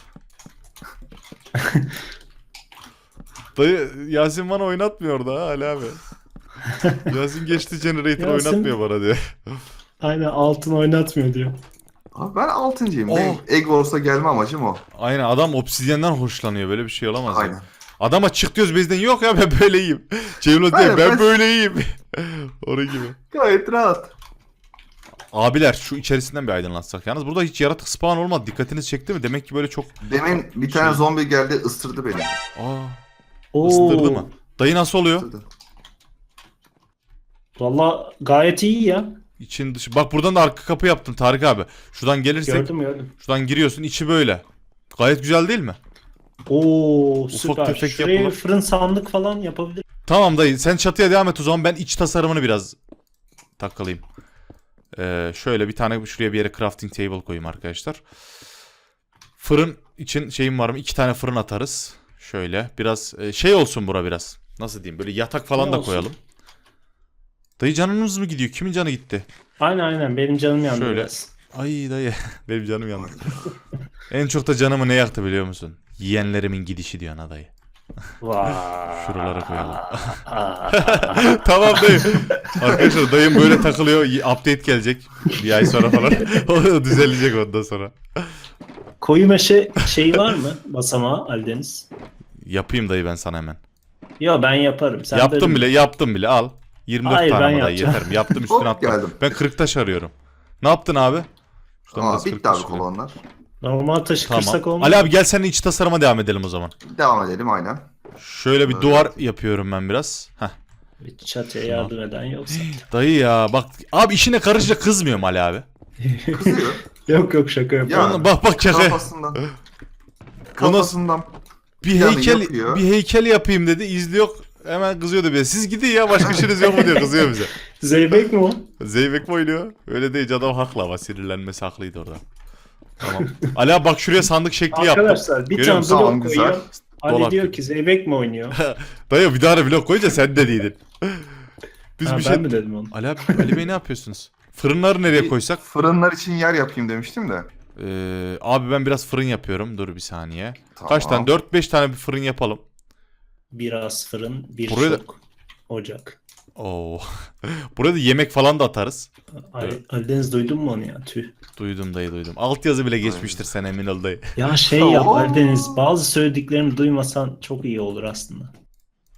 [SPEAKER 1] Dayı Yasin bana oynatmıyor da ha Ali abi. Yasin geçti generator
[SPEAKER 3] Yasin-
[SPEAKER 1] oynatmıyor bana diye.
[SPEAKER 3] Aynen altın oynatmıyor diyor.
[SPEAKER 2] Abi ben 6.'yım.
[SPEAKER 1] Oh.
[SPEAKER 2] Benim Egg Wars'a gelme amacım o.
[SPEAKER 1] Aynen adam obsidyenden hoşlanıyor. Böyle bir şey olamaz
[SPEAKER 2] Aynen.
[SPEAKER 1] ya. Adama çık diyoruz bizden yok ya ben böyleyim. Cemil diyor
[SPEAKER 2] Aynen,
[SPEAKER 1] ben
[SPEAKER 2] ben-
[SPEAKER 1] böyleyim. Onun gibi.
[SPEAKER 2] Gayet rahat.
[SPEAKER 1] Abiler şu içerisinden bir aydınlatsak. Yalnız burada hiç yaratık spawn olmadı. Dikkatiniz çekti mi? Demek ki böyle çok...
[SPEAKER 2] Demin bir tane zombi geldi ısırdı beni.
[SPEAKER 1] Aa, ısıtırdı mı? Dayı nasıl oluyor?
[SPEAKER 2] Isırdı.
[SPEAKER 3] Valla gayet iyi ya.
[SPEAKER 1] İçin dışı. Bak buradan da arka kapı yaptım Tarık abi. Şuradan gelirsek
[SPEAKER 3] Gördüm.
[SPEAKER 1] şuradan giriyorsun içi böyle. Gayet güzel değil mi?
[SPEAKER 3] Oo süper.
[SPEAKER 1] tefek
[SPEAKER 3] Şuraya
[SPEAKER 1] yapılır.
[SPEAKER 3] fırın sandık falan yapabilir.
[SPEAKER 1] Tamam dayı sen çatıya devam et o zaman ben iç tasarımını biraz takılayım. Şöyle bir tane şuraya bir yere crafting table koyayım arkadaşlar. Fırın için şeyim var mı? 2 tane fırın atarız. Şöyle biraz şey olsun bura biraz. Nasıl diyeyim böyle yatak falan
[SPEAKER 3] Ne
[SPEAKER 1] da
[SPEAKER 3] olsun?
[SPEAKER 1] koyalım. Dayı canınız mı gidiyor? Kimin canı gitti?
[SPEAKER 3] Aynen benim canım yandı
[SPEAKER 1] Şöyle.
[SPEAKER 3] biraz.
[SPEAKER 1] Ay dayı benim canım yandı. En çok da canımı ne yaktı biliyor musun? Yiyenlerimin gidişi diyor ana dayı.
[SPEAKER 3] Vay.
[SPEAKER 1] Şuralara koyalım. Tamam dayı. Arkadaşlar dayım böyle takılıyor. Update gelecek. Bir ay sonra falan. O düzelecek ondan sonra.
[SPEAKER 3] Koyu meşe şeyi var mı basamağı Aldeniz?
[SPEAKER 1] Yapayım dayı ben sana hemen.
[SPEAKER 3] Yo ben yaparım. Sen
[SPEAKER 1] Yaptım bile al. 24
[SPEAKER 3] Hayır,
[SPEAKER 1] tane
[SPEAKER 3] ben
[SPEAKER 1] ama dayı
[SPEAKER 3] yapacağım.
[SPEAKER 1] yeter mi? Yaptım üstüne
[SPEAKER 2] Hop,
[SPEAKER 1] attım.
[SPEAKER 2] geldim.
[SPEAKER 1] Ben kırık taş arıyorum. Ne yaptın abi? Şuradan
[SPEAKER 2] Ama
[SPEAKER 1] biraz kırık
[SPEAKER 2] bitti abi
[SPEAKER 1] taş alayım.
[SPEAKER 2] kolonlar.
[SPEAKER 3] Normal taşı kırsak
[SPEAKER 1] Tamam.
[SPEAKER 3] olmaz.
[SPEAKER 1] Ali abi gel seninle iç tasarıma devam edelim o zaman.
[SPEAKER 2] Devam edelim aynen.
[SPEAKER 1] Şöyle bir
[SPEAKER 2] Evet.
[SPEAKER 1] duvar yapıyorum ben biraz. Heh.
[SPEAKER 3] Bir çatıya yardım eden yoksa.
[SPEAKER 1] Dayı ya bak abi işine karışınca kızmıyorum Ali abi.
[SPEAKER 2] Kızıyor.
[SPEAKER 3] Yok şaka yapıyorum.
[SPEAKER 2] Ya.
[SPEAKER 1] Bak şaka.
[SPEAKER 2] Kafasından. Kafasından.
[SPEAKER 1] Bir
[SPEAKER 2] Yani
[SPEAKER 1] heykel
[SPEAKER 2] yapıyor.
[SPEAKER 1] bir heykel yapayım dedi. İzliyor. Hemen kızıyordu bize. Siz gidin ya başka işiniz yok mu diyor kızıyor bize.
[SPEAKER 3] Zeybek mi o?
[SPEAKER 1] Zeybek mi oynuyor? Öyle değil adam haklı ama sinirlenmesi haklıydı orada. Tamam. Ali abi bak şuraya sandık şekli yaptım.
[SPEAKER 3] Arkadaşlar bir
[SPEAKER 1] Görüyor
[SPEAKER 3] tane
[SPEAKER 1] musun?
[SPEAKER 3] blok
[SPEAKER 2] Tamam, güzel.
[SPEAKER 3] koyuyor. Ali
[SPEAKER 1] Dolap
[SPEAKER 3] diyor
[SPEAKER 1] gibi.
[SPEAKER 3] ki Zeybek mi oynuyor?
[SPEAKER 1] Dayı bir daha blok koyunca sen de değildin. Biz
[SPEAKER 3] Ha,
[SPEAKER 1] bir
[SPEAKER 3] ben
[SPEAKER 1] şey...
[SPEAKER 3] mi dedim onu?
[SPEAKER 1] Ali Bey ne yapıyorsunuz? Fırınları nereye koysak?
[SPEAKER 2] Fırınlar için yer yapayım demiştim de.
[SPEAKER 1] Abi ben biraz fırın yapıyorum. Dur bir saniye.
[SPEAKER 2] Tamam.
[SPEAKER 1] Kaç tane? 4-5 tane bir fırın yapalım.
[SPEAKER 3] Biraz fırın, bir
[SPEAKER 1] Buraya da-
[SPEAKER 3] şok, ocak.
[SPEAKER 1] Oo. Buraya da yemek falan da atarız. Evet.
[SPEAKER 3] Aldeniz duydun mu onu ya? Tüh.
[SPEAKER 1] Duydum dayı duydum. Altyazı bile geçmiştir sen emin ol dayı.
[SPEAKER 3] Ya şey yap
[SPEAKER 2] Oo.
[SPEAKER 3] Aldeniz, bazı söylediklerimi duymasan çok iyi olur aslında.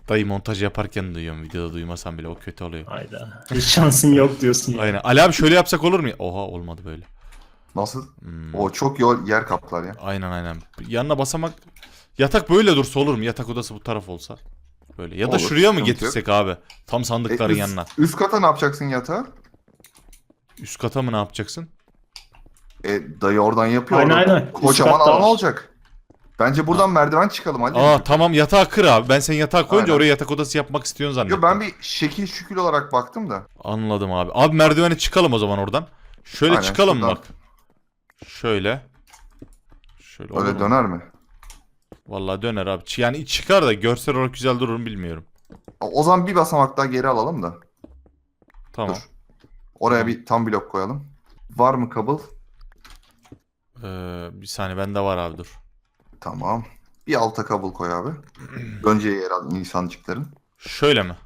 [SPEAKER 1] Dayı montaj yaparken duyuyorum. Videoda duymasam bile o kötü oluyor.
[SPEAKER 3] Hayda. Hiç şansın yok diyorsun ya.
[SPEAKER 1] Aynen. Ali abi şöyle yapsak olur mu? Oha olmadı böyle.
[SPEAKER 2] Nasıl? O çok yer kaplar ya.
[SPEAKER 1] Aynen. Yanına basamak. Yatak böyle dursa olur mu? Yatak odası bu taraf olsa. Böyle. Ya da
[SPEAKER 2] Olur,
[SPEAKER 1] şuraya mı
[SPEAKER 2] sıkıntı
[SPEAKER 1] getirsek abi? Tam sandıkların yanına.
[SPEAKER 2] Üst kata ne yapacaksın yatağı?
[SPEAKER 1] Üst kata mı ne yapacaksın?
[SPEAKER 2] Dayı oradan yapıyor.
[SPEAKER 3] Aynen,
[SPEAKER 2] Orada
[SPEAKER 3] aynen.
[SPEAKER 2] kocaman
[SPEAKER 3] Üst katta
[SPEAKER 2] alan
[SPEAKER 3] var.
[SPEAKER 2] olacak. Bence buradan merdiven çıkalım hadi.
[SPEAKER 1] Aa tamam, yatağı kır abi. Ben sen yatağı koyunca
[SPEAKER 2] Aynen.
[SPEAKER 1] oraya yatak odası yapmak istiyorsun zannettim.
[SPEAKER 2] Yo, ben bir şekil şükül olarak baktım da.
[SPEAKER 1] Anladım abi. Abi merdivene çıkalım o zaman oradan. Şöyle
[SPEAKER 2] Aynen,
[SPEAKER 1] çıkalım
[SPEAKER 2] şuradan.
[SPEAKER 1] bak. Şöyle. Şöyle olur
[SPEAKER 2] Öyle
[SPEAKER 1] mu?
[SPEAKER 2] döner mi?
[SPEAKER 1] Vallahi döner abi. Yani çıkar da görsel olarak güzel durur mu bilmiyorum.
[SPEAKER 2] O zaman bir basamak daha geri alalım da.
[SPEAKER 1] Tamam.
[SPEAKER 2] Dur. Oraya
[SPEAKER 1] Tamam.
[SPEAKER 2] bir tam blok koyalım. Var mı kabul?
[SPEAKER 1] Bir saniye bende var abi, dur.
[SPEAKER 2] Tamam. Bir alta kabul koy abi. Önce yer al insancıkların.
[SPEAKER 1] Şöyle mi?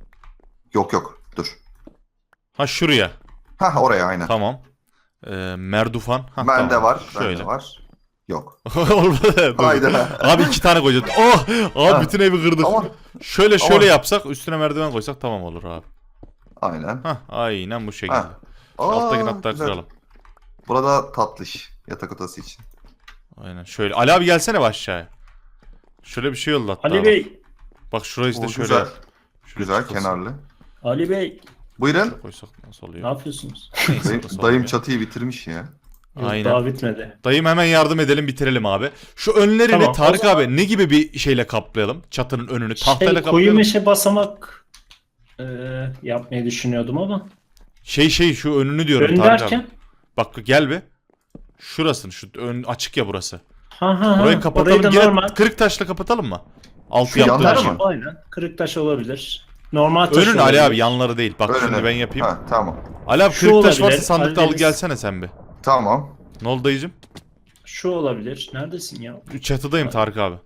[SPEAKER 2] Yok dur.
[SPEAKER 1] Ha şuraya.
[SPEAKER 2] Hah oraya aynen.
[SPEAKER 1] Tamam. Merdufan. Ha,
[SPEAKER 2] Bende
[SPEAKER 1] tamam.
[SPEAKER 2] var.
[SPEAKER 1] Şöyle.
[SPEAKER 2] Bende var. Yok.
[SPEAKER 1] Olmadı. Dur.
[SPEAKER 2] Hayda.
[SPEAKER 1] Abi 2 tane koyacağız. Oh! Abi
[SPEAKER 2] Ha.
[SPEAKER 1] bütün evi kırdık.
[SPEAKER 2] Ama
[SPEAKER 1] Şöyle
[SPEAKER 2] Ama-
[SPEAKER 1] yapsak, üstüne merdiven koysak tamam olur abi.
[SPEAKER 2] aynen.
[SPEAKER 1] Hah aynen bu şekilde.
[SPEAKER 2] Ha.
[SPEAKER 1] Şu alttakini
[SPEAKER 2] Aa,
[SPEAKER 1] hatta
[SPEAKER 2] güzel.
[SPEAKER 1] kıralım.
[SPEAKER 2] Burada tatlış yatak odası için.
[SPEAKER 1] Aynen şöyle. Ali abi gelsene bir aşağıya. Şöyle bir şey yolla hatta.
[SPEAKER 3] Ali
[SPEAKER 1] bak.
[SPEAKER 3] Bey.
[SPEAKER 1] Bak şurayı işte
[SPEAKER 2] O
[SPEAKER 1] şöyle
[SPEAKER 2] güzel.
[SPEAKER 1] yap. Şöyle
[SPEAKER 2] Güzel
[SPEAKER 1] çıkılsın.
[SPEAKER 2] kenarlı.
[SPEAKER 3] Ali Bey.
[SPEAKER 2] Buyurun.
[SPEAKER 1] Koysak nasıl
[SPEAKER 3] Ne
[SPEAKER 1] oluyor?
[SPEAKER 3] yapıyorsunuz?
[SPEAKER 1] Neyse,
[SPEAKER 2] Dayım,
[SPEAKER 1] nasıl
[SPEAKER 2] dayım
[SPEAKER 1] oluyor?
[SPEAKER 2] çatıyı bitirmiş ya.
[SPEAKER 3] Yok,
[SPEAKER 1] Aynen.
[SPEAKER 3] daha bitmedi.
[SPEAKER 1] Dayım hemen yardım edelim, bitirelim abi. Şu önlerini
[SPEAKER 3] Tamam,
[SPEAKER 1] Tarık
[SPEAKER 3] o zaman-
[SPEAKER 1] abi ne gibi bir şeyle kaplayalım? Çatının önünü tahtayla
[SPEAKER 3] Koyu
[SPEAKER 1] kaplayalım.
[SPEAKER 3] meşe basamak yapmayı düşünüyordum ama.
[SPEAKER 1] Şu önünü diyorum
[SPEAKER 3] Ön
[SPEAKER 1] Tarık
[SPEAKER 3] derken?
[SPEAKER 1] abi. Bak gel bir. Şurasın, şu ön açık ya burası.
[SPEAKER 3] Ha,
[SPEAKER 1] Orayı kapatalım.
[SPEAKER 3] orayı da
[SPEAKER 1] Gene
[SPEAKER 3] normal.
[SPEAKER 1] kırık taşla kapatalım mı? Altı
[SPEAKER 2] Şu
[SPEAKER 1] yaptığımız
[SPEAKER 2] yanları
[SPEAKER 1] için.
[SPEAKER 2] mı?
[SPEAKER 3] Aynen. Kırık taş olabilir. Normal taş
[SPEAKER 1] Önün Ali
[SPEAKER 3] olabilir.
[SPEAKER 1] abi, yanları değil. Bak
[SPEAKER 2] Önüne.
[SPEAKER 1] şimdi ben yapayım.
[SPEAKER 2] Ha, tamam.
[SPEAKER 1] Ali abi
[SPEAKER 3] Şu
[SPEAKER 1] kırık taş
[SPEAKER 3] olabilir,
[SPEAKER 1] varsa sandıkta al
[SPEAKER 3] hallederiz.
[SPEAKER 1] gelsene sen bir.
[SPEAKER 2] Tamam.
[SPEAKER 1] Ne oldu dayıcım?
[SPEAKER 3] Şu olabilir. Neredesin ya?
[SPEAKER 1] Çatıdayım Tarık abi.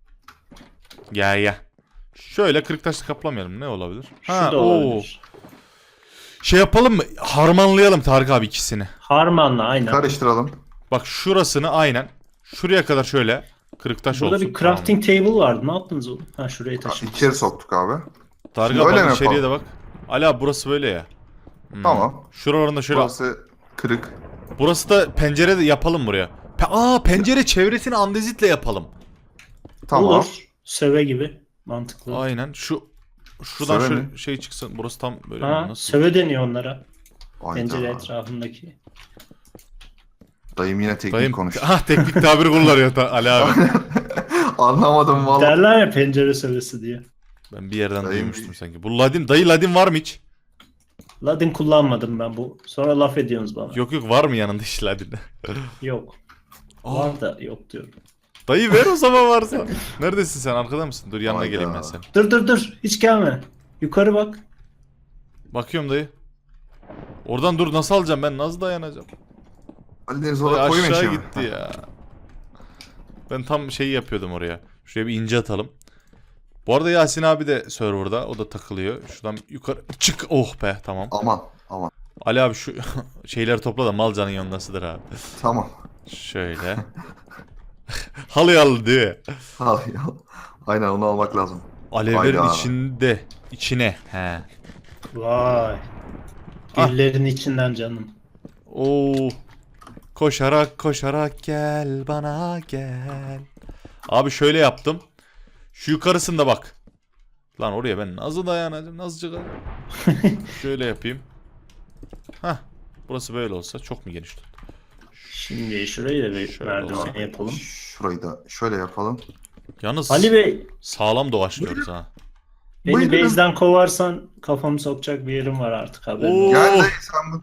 [SPEAKER 1] Gel. Şöyle kırık taşla kaplamayalım. Ne olabilir?
[SPEAKER 3] Şu da olabilir.
[SPEAKER 1] Şey yapalım mı? Harmanlayalım Tarık abi ikisini.
[SPEAKER 3] Harmanla aynen.
[SPEAKER 2] Karıştıralım.
[SPEAKER 1] Bak şurasını aynen. Şuraya kadar şöyle kırık taş
[SPEAKER 3] Burada
[SPEAKER 1] olsun.
[SPEAKER 3] bir crafting table vardı. Ne yaptınız oğlum? Ha şuraya taşıdınız.
[SPEAKER 2] İçeri soktuk abi.
[SPEAKER 1] Tamam. Tarık
[SPEAKER 2] Şimdi
[SPEAKER 1] abi
[SPEAKER 2] öyle
[SPEAKER 1] bak
[SPEAKER 2] mi
[SPEAKER 1] içeriye de
[SPEAKER 2] yapalım?
[SPEAKER 1] bak. Ali abi burası böyle ya.
[SPEAKER 2] Tamam.
[SPEAKER 1] Şuralarında şöyle.
[SPEAKER 2] Burası kırık.
[SPEAKER 1] Burası da pencere de yapalım buraya. Pencere çevresini andezitle yapalım.
[SPEAKER 2] Tamam.
[SPEAKER 3] Olur. Söve gibi. Mantıklı.
[SPEAKER 1] Aynen. Şuradan
[SPEAKER 2] Söyle
[SPEAKER 1] şöyle
[SPEAKER 2] mi?
[SPEAKER 1] şey çıksın. Burası tam böyle
[SPEAKER 3] Ha,
[SPEAKER 1] nasıl?
[SPEAKER 3] söve deniyor onlara.
[SPEAKER 2] Hayda.
[SPEAKER 3] Pencere etrafındaki.
[SPEAKER 2] Dayım yine teknik
[SPEAKER 1] Dayım
[SPEAKER 2] konuştu.
[SPEAKER 1] teknik tabir kullanıyor Ali abi.
[SPEAKER 2] Anlamadım vallahi.
[SPEAKER 3] Derler ya pencere sövesi diye.
[SPEAKER 1] Ben bir yerden
[SPEAKER 2] Dayım
[SPEAKER 1] duymuştum sanki. Bu Ladin var mı hiç?
[SPEAKER 3] Ladin kullanmadım ben bu. Sonra laf ediyorsunuz bana.
[SPEAKER 1] Yok var mı yanında hiç Ladin?
[SPEAKER 3] Yok.
[SPEAKER 1] Aa.
[SPEAKER 3] Var da yok diyorum.
[SPEAKER 1] Dayı ver o zaman varsa. Neredesin sen, arkada mısın? Dur yanına
[SPEAKER 2] Hayda.
[SPEAKER 1] geleyim ben sen.
[SPEAKER 3] Dur. Hiç gelme. Yukarı bak.
[SPEAKER 1] Bakıyorum dayı. Oradan dur, nasıl alacağım ben, nasıl dayanacağım?
[SPEAKER 2] Ali Deniz
[SPEAKER 1] Dayı
[SPEAKER 2] orada koyma
[SPEAKER 1] aşağı
[SPEAKER 2] işi mi?
[SPEAKER 1] gitti ya. Ben tam şeyi yapıyordum oraya. Şuraya bir ince atalım. Bu arada Yasin abi de serverda. O da takılıyor. Şuradan yukarı çık. Oh be, tamam.
[SPEAKER 2] Aman.
[SPEAKER 1] Ali abi şu şeyleri topla da mal canın yanındasıdır abi.
[SPEAKER 2] Tamam.
[SPEAKER 1] Şöyle. Halı al diye.
[SPEAKER 2] Aynen onu almak lazım.
[SPEAKER 1] Alevlerin
[SPEAKER 2] Hayda.
[SPEAKER 1] içine. He.
[SPEAKER 3] Vay.
[SPEAKER 1] Ah.
[SPEAKER 3] Güllerin içinden canım.
[SPEAKER 1] Oo. Koşarak gel bana gel. Abi şöyle yaptım. Şu yukarısında bak. Lan oraya ben nasıl dayanacağım? Nasıl çıkacağım? Şöyle yapayım. Hah. Burası böyle olsa çok mu geniş tuttu?
[SPEAKER 3] Şimdi şurayı da bir
[SPEAKER 1] Şöyle
[SPEAKER 3] merdiven
[SPEAKER 1] olsun.
[SPEAKER 3] yapalım.
[SPEAKER 2] Şurayı da şöyle yapalım.
[SPEAKER 1] Yalnız
[SPEAKER 3] Ali Bey,
[SPEAKER 1] sağlam doğaçlıyoruz ha.
[SPEAKER 3] beni
[SPEAKER 2] Buyurun.
[SPEAKER 3] base'den kovarsan kafamı sokacak bir yerim var artık haberin
[SPEAKER 1] Oo.
[SPEAKER 3] olsun.
[SPEAKER 2] Gel dayı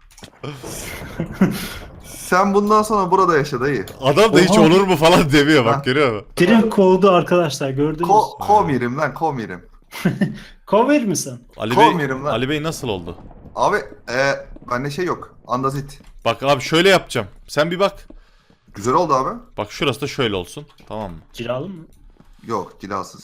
[SPEAKER 2] sen bundan sonra burada yaşa dayı.
[SPEAKER 1] Adam da hiç
[SPEAKER 3] Oha.
[SPEAKER 1] olur mu falan demiyor,
[SPEAKER 2] Ha.
[SPEAKER 1] bak görüyor musun?
[SPEAKER 3] Direkt kovdu arkadaşlar gördünüz.
[SPEAKER 2] Komirim lan komirim.
[SPEAKER 3] Kover misin?
[SPEAKER 2] Kovmuyorum lan.
[SPEAKER 1] Ali Bey nasıl oldu?
[SPEAKER 2] Abi bende şey yok. Andazit.
[SPEAKER 1] Bak abi şöyle yapacağım. Sen bir bak.
[SPEAKER 2] Güzel oldu abi.
[SPEAKER 1] Bak şurası da şöyle olsun. Tamam mı?
[SPEAKER 3] Cilalı mı?
[SPEAKER 2] Yok cilasız.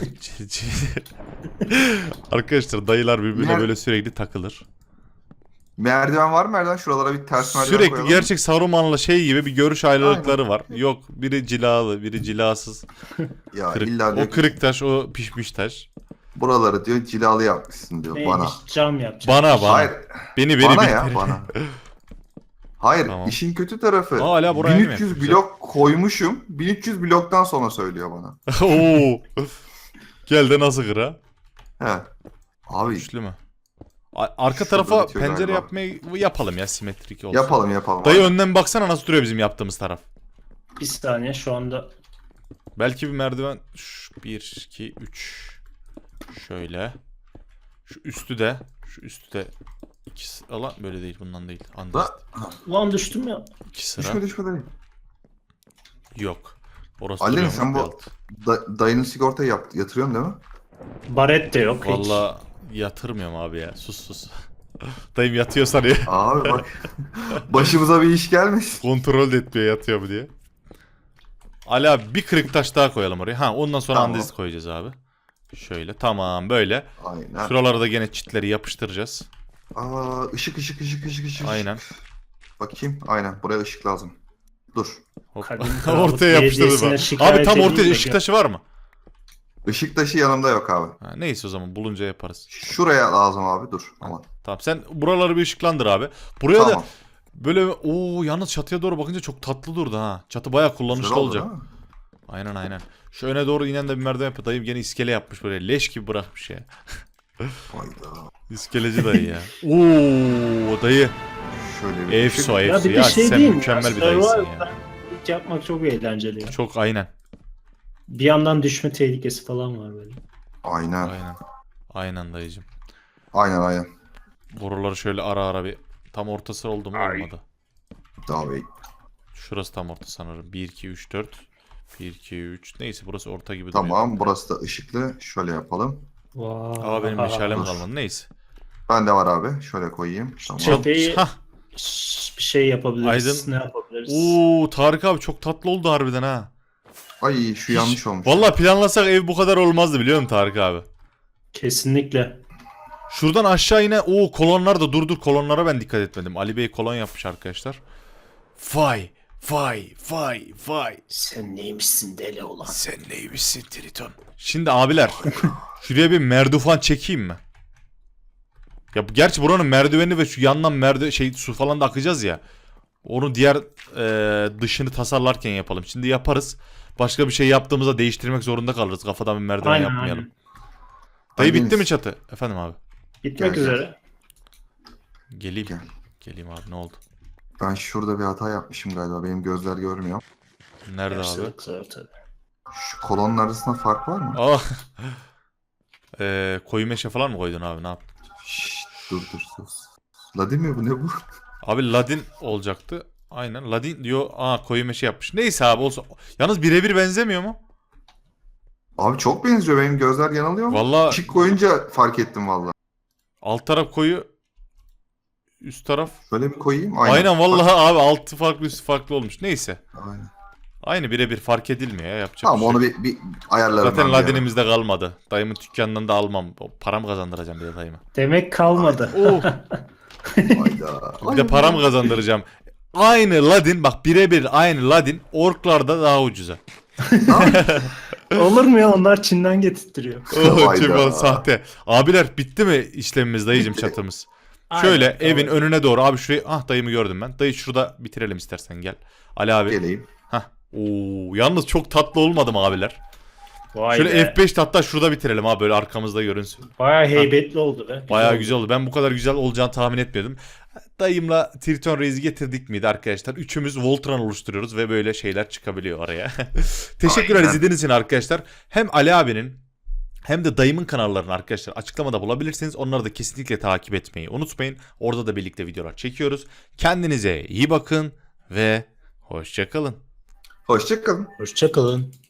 [SPEAKER 1] Arkadaşlar dayılar birbirine
[SPEAKER 2] Mer-
[SPEAKER 1] böyle sürekli takılır.
[SPEAKER 2] Merdiven var mı merdiven? Şuralara bir ters merdiven
[SPEAKER 1] Sürekli
[SPEAKER 2] koyalım.
[SPEAKER 1] gerçek Saruman'la şey gibi bir görüş ayrılıkları var. Yok biri cilalı, biri cilasız.
[SPEAKER 2] Ya
[SPEAKER 1] Kırık.
[SPEAKER 2] illa
[SPEAKER 1] O kırık taş, o pişmiş taş.
[SPEAKER 2] Buraları diyor cilalı yapmışsın diyor bana.
[SPEAKER 3] Neymiş? Cam yapacak.
[SPEAKER 1] Bana.
[SPEAKER 2] Hayır.
[SPEAKER 1] Beni
[SPEAKER 2] Bana
[SPEAKER 1] bir
[SPEAKER 2] ya
[SPEAKER 1] kere.
[SPEAKER 2] bana. Hayır
[SPEAKER 1] Tamam.
[SPEAKER 2] işin kötü tarafı.
[SPEAKER 1] Aa, hala buraya mı
[SPEAKER 2] 1300
[SPEAKER 1] yapmışlar?
[SPEAKER 2] blok koymuşum. 1300 bloktan sonra söylüyor bana.
[SPEAKER 1] Oo. Gel de nasıl kır ha?
[SPEAKER 2] He. Abi
[SPEAKER 1] Güçlü mü? Arka
[SPEAKER 2] Şurada
[SPEAKER 1] tarafa
[SPEAKER 2] bitiyor
[SPEAKER 1] pencere
[SPEAKER 2] galiba.
[SPEAKER 1] yapmayı yapalım ya, simetrik olsun.
[SPEAKER 2] yapalım.
[SPEAKER 1] Dayı
[SPEAKER 2] Aynen.
[SPEAKER 1] önden baksana nasıl duruyor bizim yaptığımız taraf.
[SPEAKER 3] Bir saniye şu anda.
[SPEAKER 1] Belki bir merdiven. 1, 2, 3. Şöyle. Şu üstü de. İkisi. Alan böyle değil, bundan değil. Andest.
[SPEAKER 3] Ulan düştüm ya.
[SPEAKER 1] 2 sıra.
[SPEAKER 2] Düşme dayı.
[SPEAKER 1] Yok. Orası
[SPEAKER 2] Ali
[SPEAKER 1] duruyor
[SPEAKER 2] sen
[SPEAKER 1] mu?
[SPEAKER 2] bu
[SPEAKER 1] Alt.
[SPEAKER 2] dayının sigortayı yatırıyorsun değil mi?
[SPEAKER 3] Baret de yok hiç.
[SPEAKER 1] Vallahi yatırmıyorum abi ya. Sus. Dayım yatıyor sanıyor.
[SPEAKER 2] Abi bak. Başımıza bir iş gelmesin.
[SPEAKER 1] Kontrol de etmiyor yatıyor mu diye. Ali abi bir kırık taş daha koyalım oraya. Ha, ondan sonra
[SPEAKER 2] Tamam.
[SPEAKER 1] andezit koyacağız abi. Şöyle tamam böyle.
[SPEAKER 2] Aynen.
[SPEAKER 1] Şuralara da gene çitleri yapıştıracağız.
[SPEAKER 2] Aa, ışık.
[SPEAKER 1] Aynen.
[SPEAKER 2] Bakayım. Aynen. Buraya ışık lazım. Dur.
[SPEAKER 1] Hop.
[SPEAKER 3] Kadim Krallık
[SPEAKER 1] Ortaya yapıştırdım
[SPEAKER 3] Belediyesi'ne
[SPEAKER 1] ben.
[SPEAKER 3] şikayet
[SPEAKER 1] Abi tam
[SPEAKER 3] edeyim
[SPEAKER 1] ortaya
[SPEAKER 3] de
[SPEAKER 1] ışık
[SPEAKER 3] gör.
[SPEAKER 1] taşı var mı?
[SPEAKER 2] Işık taşı yanımda yok abi.
[SPEAKER 1] Ha, neyse o zaman bulunca yaparız.
[SPEAKER 2] Şuraya lazım abi. Dur. Aman.
[SPEAKER 1] Tamam sen buraları bir ışıklandır abi. Buraya
[SPEAKER 2] Tamam.
[SPEAKER 1] da böyle yalnız çatıya doğru bakınca çok tatlı durdu ha. Çatı bayağı kullanışlı
[SPEAKER 2] Güzel oldu,
[SPEAKER 1] olacak.
[SPEAKER 2] değil mi?
[SPEAKER 1] Aynen. Şu öne doğru inen de bir merdiven yapıyor. Dayım gene iskele yapmış böyle. Leş gibi bırakmış ya.
[SPEAKER 2] Hayda.
[SPEAKER 1] İskeleci dayı ya. Oo dayı.
[SPEAKER 2] Şöyle bir
[SPEAKER 1] Efso
[SPEAKER 3] Ya
[SPEAKER 1] efso.
[SPEAKER 3] bir
[SPEAKER 1] Ya,
[SPEAKER 3] de şey
[SPEAKER 1] sen
[SPEAKER 3] değil mi?
[SPEAKER 1] mükemmel
[SPEAKER 3] Ya,
[SPEAKER 1] bir dayısın
[SPEAKER 3] Survivor'da
[SPEAKER 1] ya.
[SPEAKER 3] ilk yapmak çok eğlenceli ya.
[SPEAKER 1] Çok aynen.
[SPEAKER 3] Bir yandan düşme tehlikesi falan var böyle.
[SPEAKER 2] Aynen.
[SPEAKER 1] Aynen dayıcım.
[SPEAKER 2] Aynen.
[SPEAKER 1] Boruları şöyle ara bir. Tam ortası oldu mu? Olmadı.
[SPEAKER 2] Daha bey.
[SPEAKER 1] Şurası tam orta sanırım. 1, 2, 3, 4. 1, 2, 3. Neyse burası orta gibi duruyor.
[SPEAKER 2] Tamam. Burası da ışıklı. Şöyle yapalım.
[SPEAKER 3] Vay.
[SPEAKER 1] Ama benim meşalem
[SPEAKER 2] dur.
[SPEAKER 1] kalmadı. Neyse.
[SPEAKER 2] Bende var abi. Şöyle koyayım. Tamam.
[SPEAKER 3] Tepeyi
[SPEAKER 1] Hah.
[SPEAKER 3] bir şey yapabiliriz.
[SPEAKER 1] Aydın.
[SPEAKER 3] Ne yapabiliriz?
[SPEAKER 1] Oo Tarık abi çok tatlı oldu harbiden ha.
[SPEAKER 2] Ay şu yanlış olmuş.
[SPEAKER 1] Vallahi planlasak ev bu kadar olmazdı biliyor musun Tarık abi?
[SPEAKER 3] Kesinlikle.
[SPEAKER 1] Şuradan aşağı yine kolonlar da dur kolonlara ben dikkat etmedim. Ali Bey kolon yapmış arkadaşlar. Vay.
[SPEAKER 3] Sen neymişsin deli olan?
[SPEAKER 1] Sen neymişsin Triton? Şimdi abiler şuraya bir merdufan çekeyim mi? Ya gerçi buranın merdiveni ve şu yandan su falan da akacağız ya. Onu diğer dışını tasarlarken yapalım. Şimdi yaparız. Başka bir şey yaptığımızda değiştirmek zorunda kalırız. Kafadan bir merdiven yapmayalım. Dayı
[SPEAKER 2] Hanginiz?
[SPEAKER 1] bitti mi çatı? Efendim abi.
[SPEAKER 3] Bitmek
[SPEAKER 2] Gel.
[SPEAKER 3] üzere.
[SPEAKER 1] Geleyim.
[SPEAKER 2] Gel.
[SPEAKER 1] Geleyim abi ne oldu?
[SPEAKER 2] Ben şurada bir hata yapmışım galiba. Benim gözler görmüyor.
[SPEAKER 1] Nerede
[SPEAKER 3] Hepsi
[SPEAKER 1] abi?
[SPEAKER 3] yok zaten.
[SPEAKER 2] Şu kolonun arasında fark var mı?
[SPEAKER 1] Aa. Koyu meşe falan mı koydun abi ne yaptın?
[SPEAKER 2] Şşt, dur sus. Ladin mi bu ne bu?
[SPEAKER 1] Abi Ladin olacaktı. Aynen Ladin diyor. Koyu meşe yapmış. Neyse abi olsun. Yalnız birebir benzemiyor mu?
[SPEAKER 2] Abi çok benziyor. Benim gözler yanılıyor mu?
[SPEAKER 1] Vallahi
[SPEAKER 2] Işık koyunca fark ettim valla.
[SPEAKER 1] alt taraf koyu. Üst taraf.
[SPEAKER 2] Şöyle bir koyayım.
[SPEAKER 1] Aynen vallahi abi altı farklı üstü farklı olmuş. Neyse.
[SPEAKER 2] Aynen.
[SPEAKER 1] Aynı birebir fark edilmiyor ya yapacak
[SPEAKER 2] Tamam
[SPEAKER 1] bir şey
[SPEAKER 2] onu
[SPEAKER 1] yok.
[SPEAKER 2] bir ayarlarım.
[SPEAKER 1] Zaten
[SPEAKER 2] ben bir ara.
[SPEAKER 1] Ladin'imizde kalmadı. Dayımın dükkanından da almam. Param kazandıracağım bir de dayıma.
[SPEAKER 3] Demek kalmadı.
[SPEAKER 2] Hayda.
[SPEAKER 1] Bir de param kazandıracağım. Aynı Ladin bak birebir aynı Ladin orklarda daha ucuza.
[SPEAKER 3] Olur mu ya? Onlar Çin'den getirtiyor.
[SPEAKER 2] Hayda.
[SPEAKER 1] Sahte. Abiler bitti mi işlemimiz dayıcım çatımız? Şöyle
[SPEAKER 3] Aynen,
[SPEAKER 1] evin
[SPEAKER 3] tamam.
[SPEAKER 1] önüne doğru abi şurayı dayımı gördüm ben. Dayı şurada bitirelim istersen gel. Ali abi.
[SPEAKER 2] Geleyim.
[SPEAKER 1] Yalnız çok tatlı olmadı mı abiler?
[SPEAKER 3] Vay
[SPEAKER 1] Şöyle
[SPEAKER 3] be.
[SPEAKER 1] F5 hatta şurada bitirelim abi böyle arkamızda görünsün.
[SPEAKER 3] Bayağı heybetli oldu be.
[SPEAKER 1] Bayağı
[SPEAKER 3] oldu.
[SPEAKER 1] güzel oldu. Ben bu kadar güzel olacağını tahmin etmiyordum. Dayımla Triton Reis'i getirdik miydi arkadaşlar? Üçümüz Voltron oluşturuyoruz ve böyle şeyler çıkabiliyor araya. Teşekkürler
[SPEAKER 2] Aynen.
[SPEAKER 1] izlediğiniz için arkadaşlar. Hem Ali abinin hem de dayımın kanallarını arkadaşlar açıklamada bulabilirsiniz. Onları da kesinlikle takip etmeyi unutmayın. Orada da birlikte videolar çekiyoruz. Kendinize iyi bakın ve hoşça kalın.
[SPEAKER 2] Hoşça kalın.
[SPEAKER 3] Hoşça kalın.